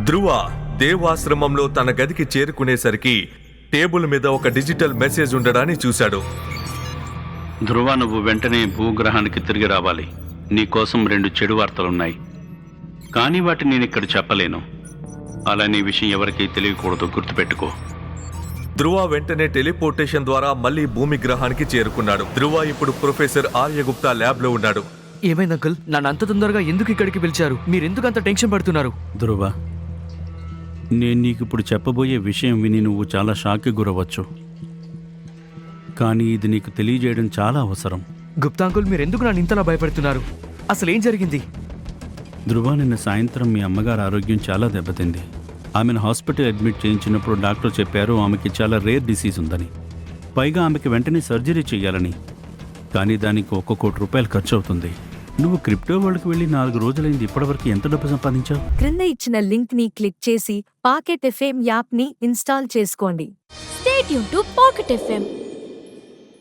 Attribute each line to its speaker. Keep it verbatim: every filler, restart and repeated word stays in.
Speaker 1: ధ్రువ దేవాశ్రమంలో తన గదికి చేరుకునేసరికి టేబుల్ మీద ఒక డిజిటల్ మెసేజ్ ఉండడాన్ని చూశాడు.
Speaker 2: ధ్రువ, నువ్వు వెంటనే భూగ్రహానికి తిరిగి రావాలి. నీకోసం రెండు చెడు వార్తలున్నాయి, కానీ వాటిని నేను ఇక్కడ చెప్పలేను. అలానే విషయం ఎవరికీ తెలియకూడదు, గుర్తుపెట్టుకో.
Speaker 1: ధ్రువ వెంటనే టెలిపోర్టేషన్ ద్వారా మళ్ళీ భూమి గ్రహానికి చేరుకున్నాడు. ధ్రువ ఇప్పుడు ప్రొఫెసర్ ఆర్యగుప్తా ల్యాబ్ లో ఉన్నాడు.
Speaker 3: ఏమైంది అంకుల్? నన్ను అంత తొందరగా ఎందుకు ఇక్కడికి పిలిచారు? మీరెందుకు అంత టెన్షన్ పడుతున్నారు?
Speaker 2: ధ్రువ, నేను నీకు ఇప్పుడు చెప్పబోయే విషయం విని నువ్వు చాలా షాక్కి గురవచ్చు, కానీ ఇది నీకు తెలియజేయడం చాలా అవసరం.
Speaker 3: గుప్తా అంకుల్, మీరెందుకు నన్ను ఇంతలా భయపడుతున్నారు? అసలు ఏం జరిగింది?
Speaker 2: ధ్రువ, నిన్న సాయంత్రం మీ అమ్మగారు ఆరోగ్యం చాలా దెబ్బతింది. ఆమెను హాస్పిటల్ అడ్మిట్ చేయించినప్పుడు డాక్టర్ చెప్పారు ఆమెకి చాలా రేర్ డిసీజ్ ఉందని, పైగా ఆమెకి వెంటనే సర్జరీ చేయాలని. కానీ దానికి ఒక్క కోటి రూపాయలు ఖర్చు అవుతుంది. నువ్వు క్రిప్టో వరల్డ్కి వెళ్ళి నాలుగు రోజులైంది, ఇప్పటివరకు ఎంత డబ్బు సంపాదించావు?
Speaker 4: క్రింద ఇచ్చిన లింక్ ని క్లిక్ చేసి పాకెట్ ఎఫ్ఎం యాప్ ని ఇన్స్టాల్ చేసుకోండి.
Speaker 5: Stay tuned to Pocket F M.